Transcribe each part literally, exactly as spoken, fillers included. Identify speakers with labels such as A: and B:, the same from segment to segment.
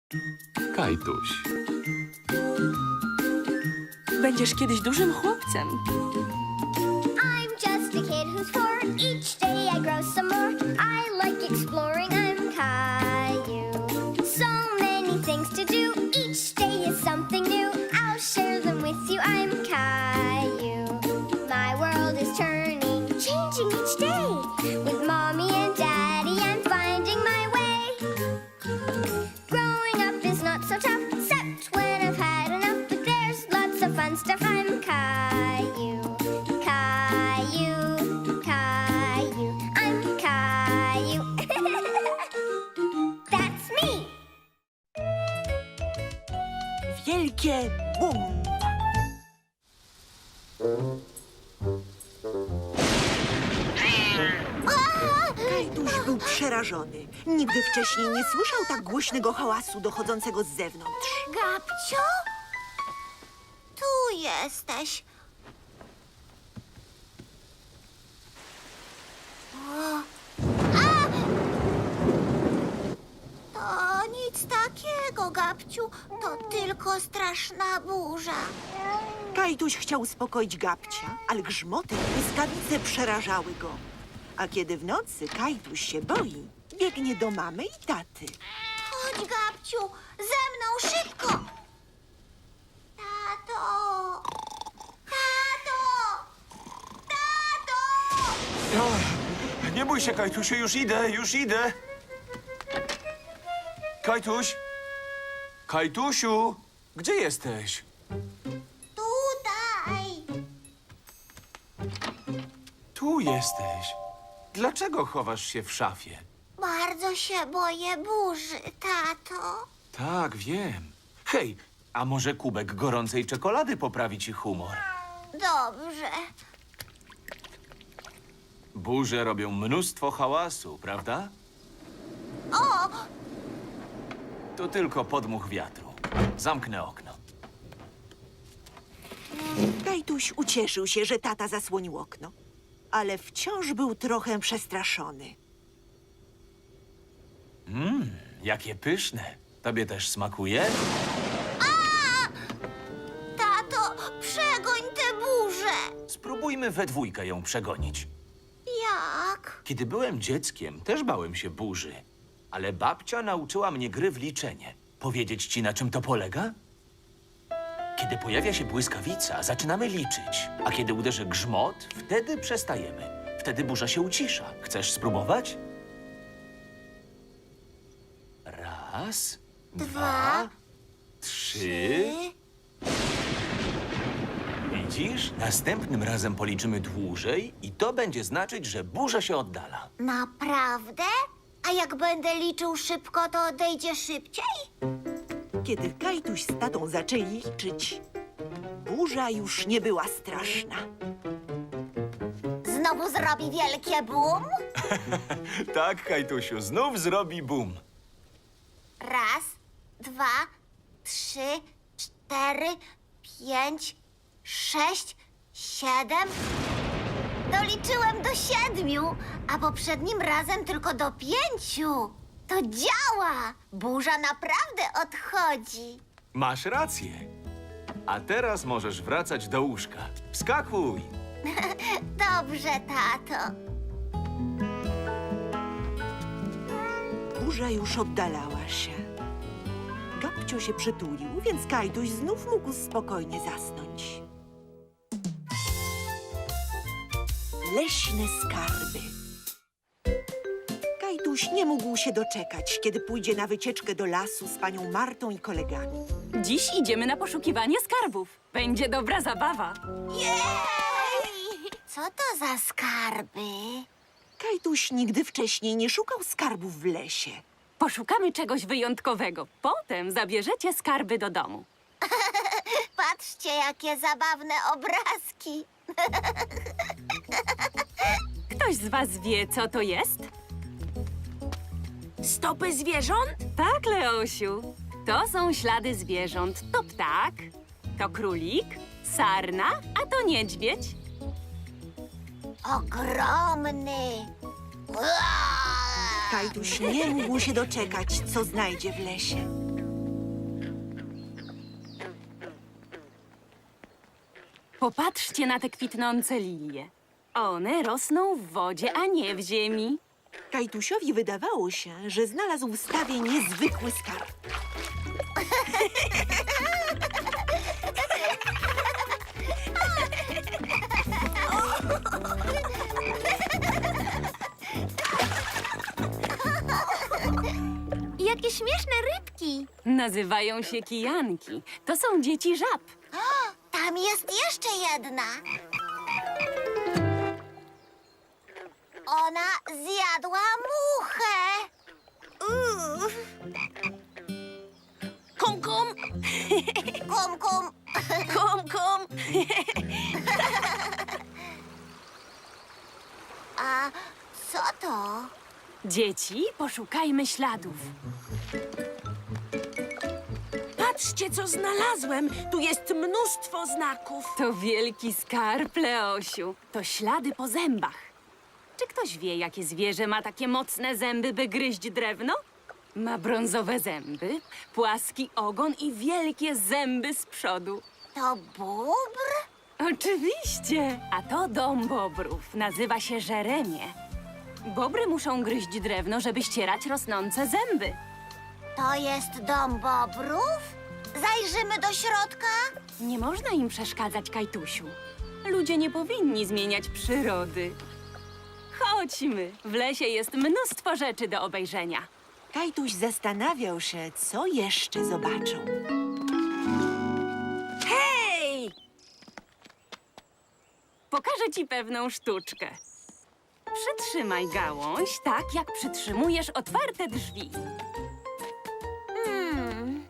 A: Kajtuś.
B: Będziesz kiedyś dużym chłopcem.
C: I'm just a kid who's four. Each day I grow some more. I like exploring. I'm Caillou. So many things to do. Each day is something new. I'll share them with you. I'm Caillou. My world is turning, changing each day. With mommy and daddy, I'm finding my way. Growing up is not so tough, except when I've had enough. But there's lots of fun stuff. I'm Caillou. Caillou, Caillou, I'm Caillou. That's me.
D: Wielkie bum! Kajtuś był przerażony. Nigdy wcześniej nie słyszał tak głośnego hałasu dochodzącego z zewnątrz.
C: Gabcio? Tu jesteś. O. A! To nic takiego, Gabciu. To tylko straszna burza.
D: Kajtuś chciał uspokoić Gabcia, ale grzmoty i błyskawice przerażały go. A kiedy w nocy Kajtuś się boi, biegnie do mamy i taty.
C: Chodź, Gabciu, ze mną szybko. Tato! Tato! Tato!
E: O, nie bój się, Kajtusiu, już idę, już idę. Kajtuś? Kajtusiu, gdzie jesteś?
C: Tutaj!
E: Tu jesteś. Dlaczego chowasz się w szafie?
C: Bardzo się boję burzy, tato.
E: Tak, wiem. Hej, a może kubek gorącej czekolady poprawi ci humor?
C: Dobrze.
E: Burze robią mnóstwo hałasu, prawda?
C: O!
E: To tylko podmuch wiatru. Zamknę okno.
D: Kajtuś ucieszył się, że tata zasłonił okno, ale wciąż był trochę przestraszony.
E: Mmm, jakie pyszne. Tobie też smakuje?
C: Tato, przegoń tę burzę.
E: Spróbujmy we dwójkę ją przegonić.
C: Jak?
E: Kiedy byłem dzieckiem, też bałem się burzy. Ale babcia nauczyła mnie gry w liczenie. Powiedzieć ci, na czym to polega? Kiedy pojawia się błyskawica, zaczynamy liczyć. A kiedy uderzy grzmot, wtedy przestajemy. Wtedy burza się ucisza. Chcesz spróbować? Raz, dwa, trzy. Widzisz? Następnym razem policzymy dłużej i to będzie znaczyć, że burza się oddala.
C: Naprawdę? A jak będę liczył szybko, to odejdzie szybciej?
D: Kiedy Kajtuś z tatą zaczęli liczyć, burza już nie była straszna.
C: Znowu zrobi wielkie bum?
E: Tak, Kajtusiu, znów zrobi bum.
C: Raz, dwa, trzy, cztery, pięć, sześć, siedem. Doliczyłem do siedmiu, a poprzednim razem tylko do pięciu. To działa! Burza naprawdę odchodzi.
E: Masz rację. A teraz możesz wracać do łóżka. Wskakuj!
C: Dobrze, tato.
D: Burza już oddalała się. Gabcio się przytulił, więc Kajtuś znów mógł spokojnie zasnąć. Leśne skarby. Kajtuś nie mógł się doczekać, kiedy pójdzie na wycieczkę do lasu z panią Martą i kolegami.
B: Dziś idziemy na poszukiwanie skarbów. Będzie dobra zabawa.
C: Jej! Co to za skarby?
D: Kajtuś nigdy wcześniej nie szukał skarbów w lesie.
B: Poszukamy czegoś wyjątkowego. Potem zabierzecie skarby do domu.
C: Patrzcie, jakie zabawne obrazki.
B: Ktoś z was wie, co to jest?
F: Stopy zwierząt?
B: Tak, Leosiu. To są ślady zwierząt. To ptak, to królik, sarna, a to niedźwiedź.
C: Ogromny. Uaa!
D: Kajtuś nie mógł się doczekać, co znajdzie w lesie.
B: Popatrzcie na te kwitnące lilie. One rosną w wodzie, a nie w ziemi.
D: Kajtusiowi wydawało się, że znalazł w stawie niezwykły skarb.
C: Jakie śmieszne rybki!
B: Nazywają się kijanki. To są dzieci żab.
C: Tam jest jeszcze jedna. Ona zjadła muchę. Uff.
B: Kum, kum,
C: Kum, kum.
B: kum, kum.
C: A co to?
B: Dzieci, poszukajmy śladów.
A: Patrzcie, co znalazłem! Tu jest mnóstwo znaków.
B: To wielki skarb, Leosiu. To ślady po zębach. Czy ktoś wie, jakie zwierzę ma takie mocne zęby, by gryźć drewno? Ma brązowe zęby, płaski ogon i wielkie zęby z przodu.
C: To bóbr?
B: Oczywiście! A to dom bobrów. Nazywa się żeremie. Bobry muszą gryźć drewno, żeby ścierać rosnące zęby.
C: To jest dom bobrów? Zajrzymy do środka?
B: Nie można im przeszkadzać, Kajtusiu. Ludzie nie powinni zmieniać przyrody. Chodźmy. W lesie jest mnóstwo rzeczy do obejrzenia.
D: Kajtuś zastanawiał się, co jeszcze zobaczą.
A: Hej!
B: Pokażę ci pewną sztuczkę. Przytrzymaj gałąź tak, jak przytrzymujesz otwarte drzwi.
C: Hmm.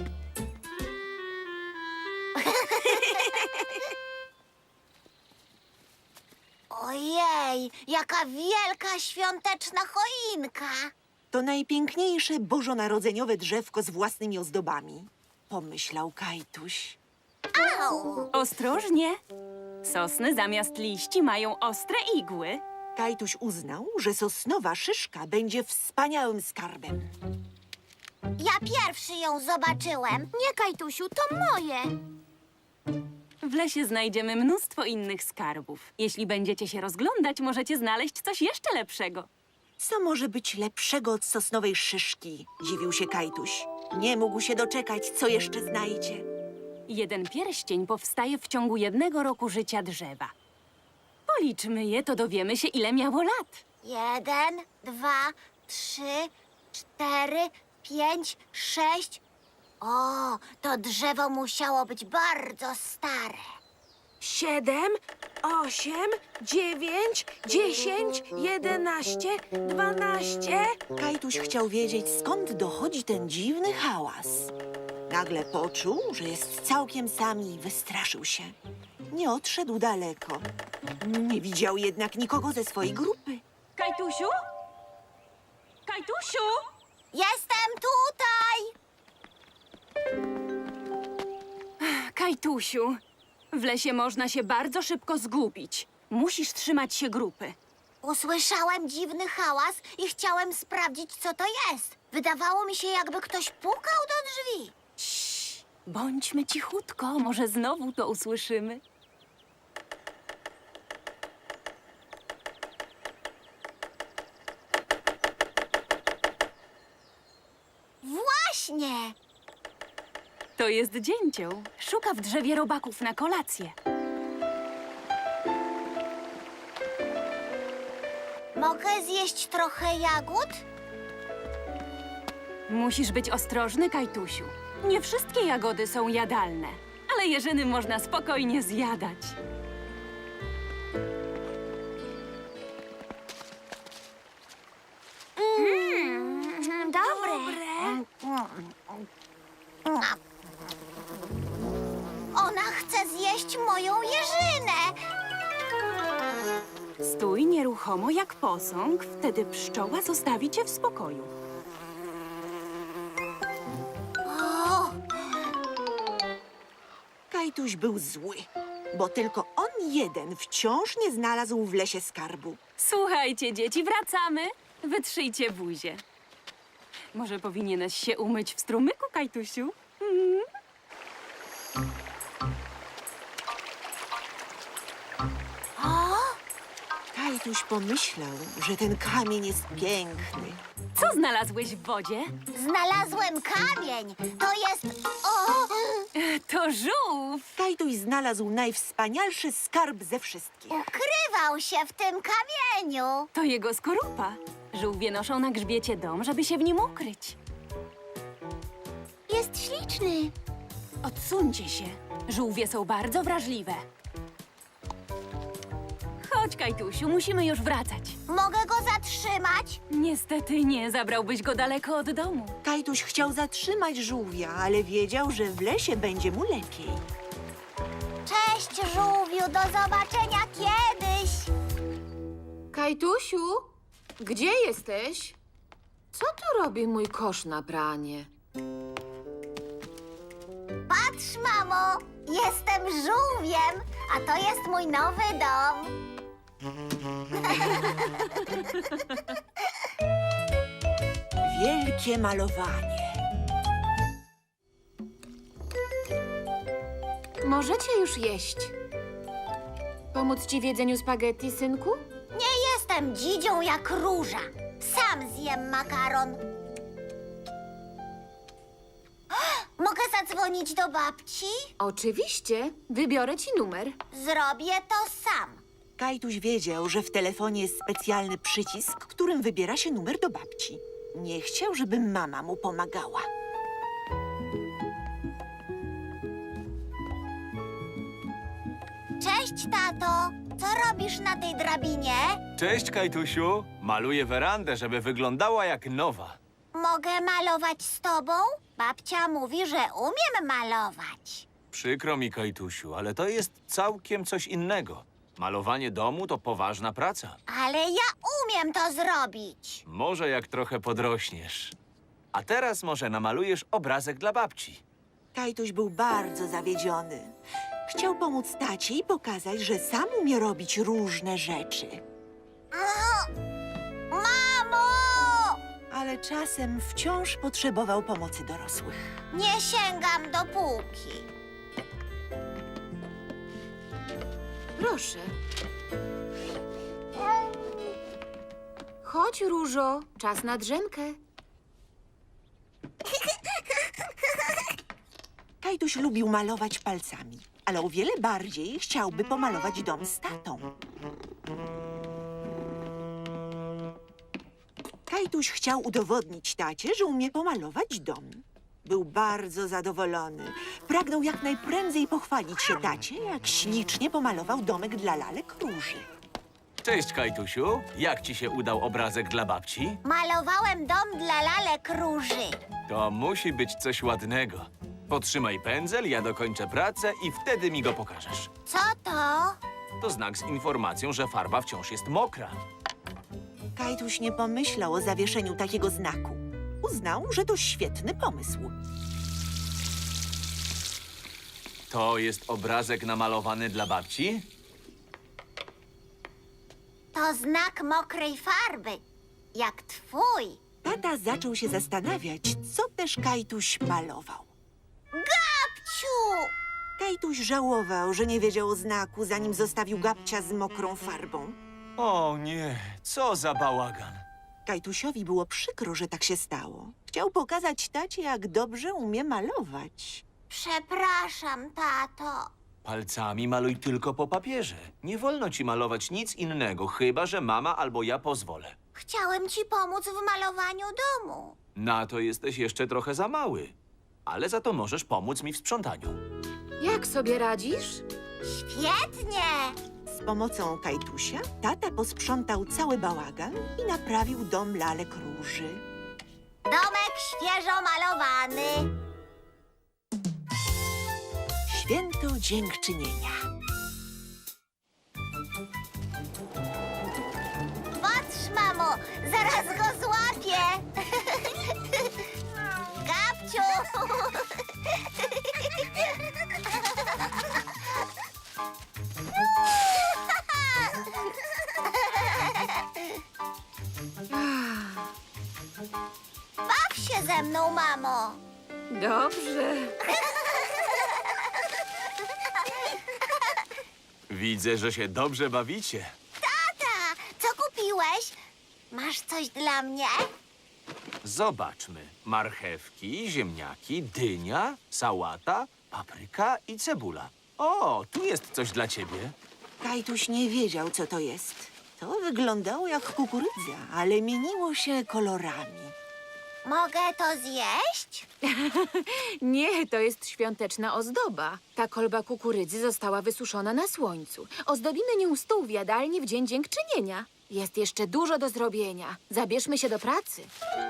C: Ojej, jaka wielka świąteczna choinka!
D: To najpiękniejsze bożonarodzeniowe drzewko z własnymi ozdobami, pomyślał Kajtuś.
C: Au!
B: Ostrożnie. Sosny zamiast liści mają ostre igły.
D: Kajtuś uznał, że sosnowa szyszka będzie wspaniałym skarbem.
C: Ja pierwszy ją zobaczyłem. Nie, Kajtusiu, to moje.
B: W lesie znajdziemy mnóstwo innych skarbów. Jeśli będziecie się rozglądać, możecie znaleźć coś jeszcze lepszego.
D: Co może być lepszego od sosnowej szyszki? Dziwił się Kajtuś. Nie mógł się doczekać, co jeszcze znajdzie.
B: Jeden pierścień powstaje w ciągu jednego roku życia drzewa. Policzmy je, to dowiemy się, ile miało lat.
C: Jeden, dwa, trzy, cztery, pięć, sześć. O, to drzewo musiało być bardzo stare.
A: Siedem, osiem, dziewięć, dziesięć, jedenaście, dwanaście.
D: Kajtuś chciał wiedzieć, skąd dochodzi ten dziwny hałas. Nagle poczuł, że jest całkiem sam i wystraszył się. Nie odszedł daleko. Nie widział jednak nikogo ze swojej grupy.
B: Kajtusiu? Kajtusiu?
C: Jestem tutaj!
B: Kajtusiu, w lesie można się bardzo szybko zgubić. Musisz trzymać się grupy.
C: Usłyszałem dziwny hałas i chciałem sprawdzić, co to jest. Wydawało mi się, jakby ktoś pukał do drzwi.
B: Cii, bądźmy cichutko, może znowu to usłyszymy.
C: Właśnie!
B: To jest dzięcioł. Szuka w drzewie robaków na kolację.
C: Mogę zjeść trochę jagód?
B: Musisz być ostrożny, Kajtusiu. Nie wszystkie jagody są jadalne, ale jeżyny można spokojnie zjadać.
C: Mm, dobre. Ona chce zjeść moją jeżynę.
B: Stój nieruchomo jak posąg, wtedy pszczoła zostawi cię w spokoju.
C: O,
D: Kajtuś był zły, bo tylko on jeden wciąż nie znalazł w lesie skarbu.
B: Słuchajcie, dzieci, wracamy. Wytrzyjcie buzię. Może powinieneś się umyć w strumyku, Kajtusiu? Mm.
D: Kajtuś pomyślał, że ten kamień jest piękny.
B: Co znalazłeś w wodzie?
C: Znalazłem kamień. To jest... O!
B: To żółw.
D: Kajtuś znalazł najwspanialszy skarb ze wszystkich.
C: Ukrywał się w tym kamieniu.
B: To jego skorupa. Żółwie noszą na grzbiecie dom, żeby się w nim ukryć.
C: Jest śliczny.
B: Odsuńcie się. Żółwie są bardzo wrażliwe. Chodź, Kajtusiu, musimy już wracać.
C: Mogę go zatrzymać?
B: Niestety nie, zabrałbyś go daleko od domu.
D: Kajtuś chciał zatrzymać żółwia, ale wiedział, że w lesie będzie mu lepiej.
C: Cześć, żółwiu. Do zobaczenia kiedyś.
F: Kajtusiu, gdzie jesteś? Co tu robi mój kosz na pranie?
C: Patrz, mamo. Jestem żółwiem, a to jest mój nowy dom.
D: Wielkie malowanie.
F: Możecie już jeść. Pomóc ci w jedzeniu spaghetti, synku?
C: Nie jestem dzidzią jak róża. Sam zjem makaron. Mogę zadzwonić do babci?
F: Oczywiście. Wybiorę ci numer.
C: Zrobię to sam.
D: Kajtuś wiedział, że w telefonie jest specjalny przycisk, którym wybiera się numer do babci. Nie chciał, żeby mama mu pomagała.
C: Cześć, tato. Co robisz na tej drabinie?
E: Cześć, Kajtusiu. Maluję werandę, żeby wyglądała jak nowa.
C: Mogę malować z tobą? Babcia mówi, że umiem malować.
E: Przykro mi, Kajtusiu, ale to jest całkiem coś innego. Malowanie domu to poważna praca.
C: Ale ja umiem to zrobić.
E: Może jak trochę podrośniesz. A teraz może namalujesz obrazek dla babci.
D: Kajtuś był bardzo zawiedziony. Chciał pomóc tacie i pokazać, że sam umie robić różne rzeczy.
C: Mamo!
D: Ale czasem wciąż potrzebował pomocy dorosłych.
C: Nie sięgam do półki.
F: Proszę. Chodź, Różo. Czas na drzemkę.
D: Kajtuś lubił malować palcami, ale o wiele bardziej chciałby pomalować dom z tatą. Kajtuś chciał udowodnić tacie, że umie pomalować dom. Był bardzo zadowolony. Pragnął jak najprędzej pochwalić się tacie, jak ślicznie pomalował domek dla lalek Róży.
E: Cześć, Kajtusiu. Jak ci się udał obrazek dla babci?
C: Malowałem dom dla lalek Róży.
E: To musi być coś ładnego. Potrzymaj pędzel, ja dokończę pracę i wtedy mi go pokażesz.
C: Co to?
E: To znak z informacją, że farba wciąż jest mokra.
D: Kajtuś nie pomyślał o zawieszeniu takiego znaku. Uznał, że to świetny pomysł.
E: To jest obrazek namalowany dla babci?
C: To znak mokrej farby. Jak twój.
D: Tata zaczął się zastanawiać, co też Kajtuś malował.
C: Gabciu!
D: Kajtuś żałował, że nie wiedział o znaku, zanim zostawił Gabcia z mokrą farbą.
E: O nie, co za bałagan.
D: Kajtusiowi było przykro, że tak się stało. Chciał pokazać tacie, jak dobrze umie malować.
C: Przepraszam, tato.
E: Palcami maluj tylko po papierze. Nie wolno ci malować nic innego, chyba że mama albo ja pozwolę.
C: Chciałem ci pomóc w malowaniu domu.
E: Na to jesteś jeszcze trochę za mały. Ale za to możesz pomóc mi w sprzątaniu.
F: Jak sobie radzisz?
C: Świetnie!
D: Z pomocą Kajtusia tata posprzątał cały bałagan i naprawił dom lalek Róży.
C: Domek świeżo malowany.
D: Święto Dziękczynienia.
C: Patrz, mamo, zaraz go złapię. Gabciu! Baw się ze mną, mamo.
F: Dobrze.
E: Widzę, że się dobrze bawicie.
C: Tata, co jesteś? Masz coś dla mnie?
E: Zobaczmy. Marchewki, ziemniaki, dynia, sałata, papryka i cebula. O, tu jest coś dla ciebie.
D: Kajtuś nie wiedział, co to jest. To wyglądało jak kukurydza, ale mieniło się kolorami.
C: Mogę to zjeść?
F: Nie, to jest świąteczna ozdoba. Ta kolba kukurydzy została wysuszona na słońcu. Ozdobimy nią stół w jadalni w Dzień Dziękczynienia. Jest jeszcze dużo do zrobienia. Zabierzmy się do pracy.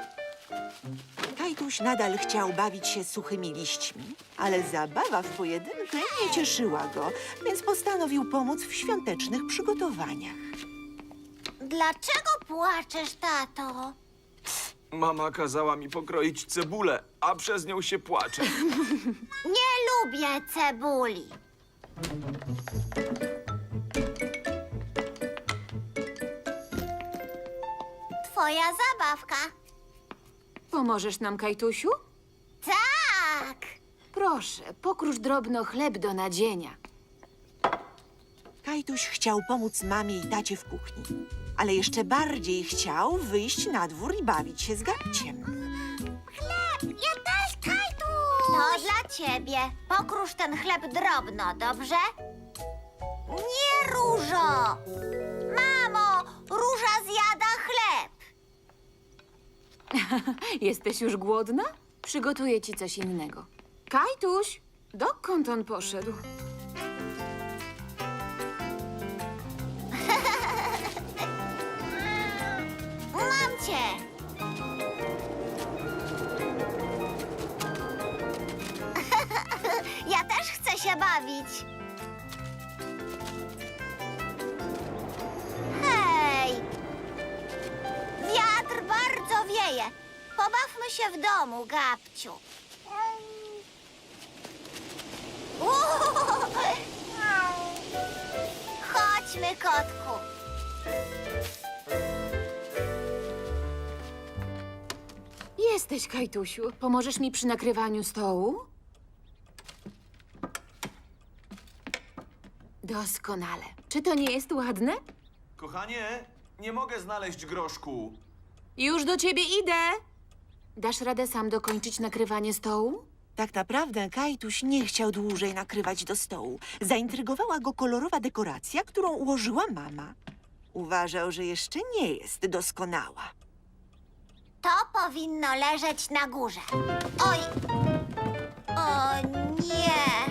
D: Kajtuś nadal chciał bawić się suchymi liśćmi, ale zabawa w pojedynkę nie cieszyła go, więc postanowił pomóc w świątecznych przygotowaniach.
C: Dlaczego płaczesz, tato?
E: Mama kazała mi pokroić cebulę, a przez nią się płacze.
C: Nie lubię cebuli. Twoja zabawka.
F: Pomożesz nam, Kajtusiu?
C: Tak.
F: Proszę, pokrusz drobno chleb do nadzienia.
D: Kajtuś chciał pomóc mamie i tacie w kuchni, ale jeszcze bardziej chciał wyjść na dwór i bawić się z Gabciem.
C: Ja też, Kajtuś. To dla ciebie. Pokrusz ten chleb drobno, dobrze? Nie, Różo. Mamo, Róża zjada chleb.
F: Jesteś już głodna? Przygotuję ci coś innego. Kajtuś, dokąd on poszedł?
C: Mam cię. Ja też chcę się bawić. Hej! Wiatr bardzo wieje. Pobawmy się w domu, Gabciu. Chodźmy, kotku.
F: Jesteś, Kajtusiu. Pomożesz mi przy nakrywaniu stołu? Doskonale. Czy to nie jest ładne?
E: Kochanie, nie mogę znaleźć groszku.
F: Już do ciebie idę. Dasz radę sam dokończyć nakrywanie stołu?
D: Tak naprawdę Kajtuś nie chciał dłużej nakrywać do stołu. Zaintrygowała go kolorowa dekoracja, którą ułożyła mama. Uważał, że jeszcze nie jest doskonała.
C: To powinno leżeć na górze. Oj! O nie!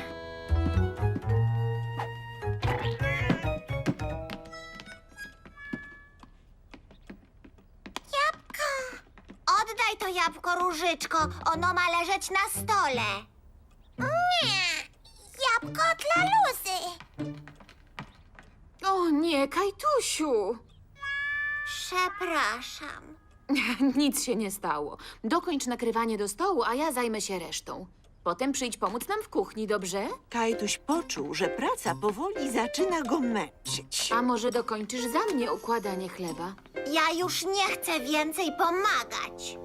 C: Jabłko! Oddaj to jabłko, Różyczko. Ono ma leżeć na stole. Nie! Jabłko dla Luzy.
F: O nie, Kajtusiu!
C: Przepraszam.
F: Nic się nie stało. Dokończ nakrywanie do stołu, a ja zajmę się resztą. Potem przyjdź pomóc nam w kuchni, dobrze?
D: Kajtuś poczuł, że praca powoli zaczyna go męczyć.
F: A może dokończysz za mnie układanie chleba?
C: Ja już nie chcę więcej pomagać.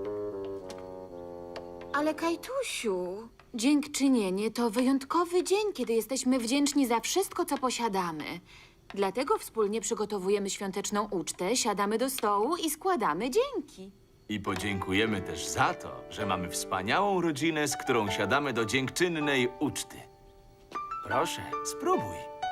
F: Ale Kajtusiu, dziękczynienie to wyjątkowy dzień, kiedy jesteśmy wdzięczni za wszystko, co posiadamy. Dlatego wspólnie przygotowujemy świąteczną ucztę, siadamy do stołu i składamy dzięki.
E: I podziękujemy też za to, że mamy wspaniałą rodzinę, z którą siadamy do dziękczynnej uczty. Proszę, spróbuj.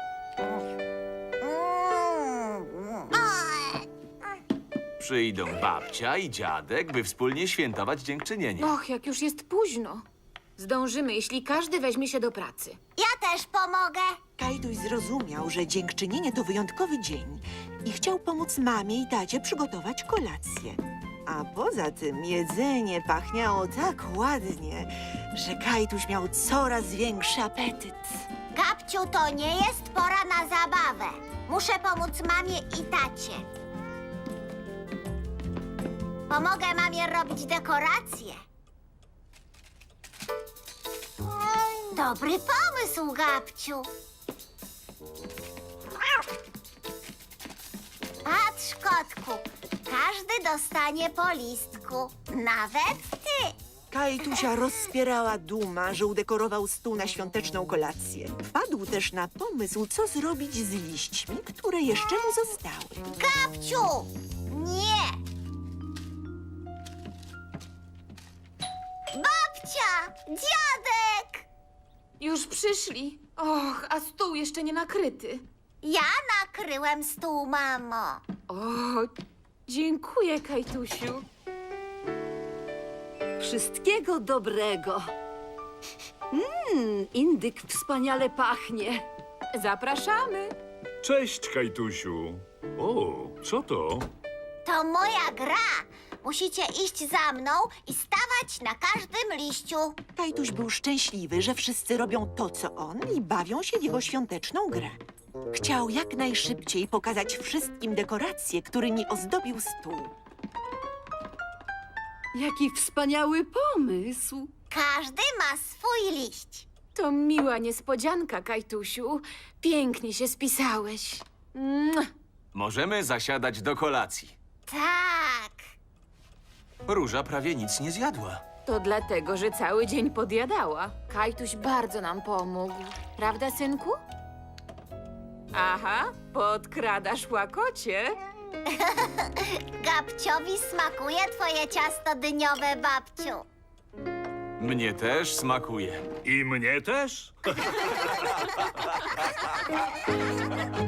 E: Przyjdą babcia i dziadek, by wspólnie świętować dziękczynienie.
F: Och, jak już jest późno. Zdążymy, jeśli każdy weźmie się do pracy.
C: Ja też pomogę.
D: Kajtuś zrozumiał, że dziękczynienie to wyjątkowy dzień i chciał pomóc mamie i tacie przygotować kolację. A poza tym jedzenie pachniało tak ładnie, że Kajtuś miał coraz większy apetyt.
C: Gabciu, to nie jest pora na zabawę. Muszę pomóc mamie i tacie. Pomogę mamie robić dekoracje. Dobry pomysł, Gabciu. Patrz, kotku. Każdy dostanie po listku. Nawet ty.
D: Kajtusia rozpierała duma, że udekorował stół na świąteczną kolację. Wpadł też na pomysł, co zrobić z liśćmi, które jeszcze mu zostały.
C: Gabciu! Nie! Babcia! Dziadek!
F: Już przyszli. Och, a stół jeszcze nie nakryty.
C: Ja nakryłem stół, mamo.
F: O, dziękuję, Kajtusiu.
A: Wszystkiego dobrego. Mmm, indyk wspaniale pachnie.
F: Zapraszamy.
G: Cześć, Kajtusiu. O, co to?
C: To moja gra. Musicie iść za mną i stawać na każdym liściu.
D: Kajtuś był szczęśliwy, że wszyscy robią to, co on i bawią się w jego świąteczną grę. Chciał jak najszybciej pokazać wszystkim dekoracje, którymi ozdobił stół.
A: Jaki wspaniały pomysł.
C: Każdy ma swój liść.
F: To miła niespodzianka, Kajtusiu. Pięknie się spisałeś. Mua.
E: Możemy zasiadać do kolacji.
C: Tak.
E: Róża prawie nic nie zjadła.
F: To dlatego, że cały dzień podjadała. Kajtuś bardzo nam pomógł. Prawda, synku? Aha, podkradasz łakocie.
C: Gabciowi smakuje twoje ciasto dyniowe, babciu.
E: Mnie też smakuje.
G: I mnie też?